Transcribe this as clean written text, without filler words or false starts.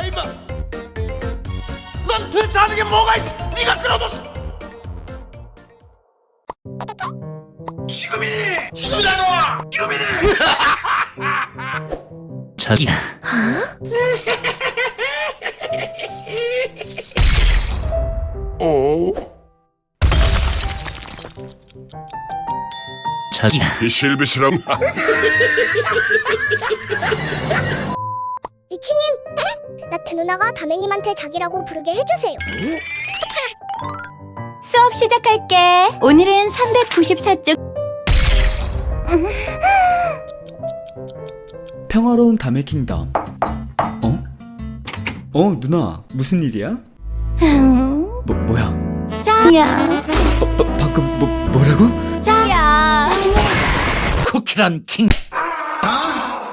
임마. 넌 도대체 하는 게 뭐가 있어? 네가 끌어뒀어. 지금이니. 지금이다 너와. 지금이니. 자기야. 자기야. 비실비실함. 리치님, 나트 누나가 다매님한테 자기라고 부르게 해주세요. 수업 시작할게. 오늘은 394쪽. 평화로운 담의 킹덤. 누나 무슨 일이야? 뭐야? 짜야. 방금 뭐라고? 짜야. 쿠키란 킹.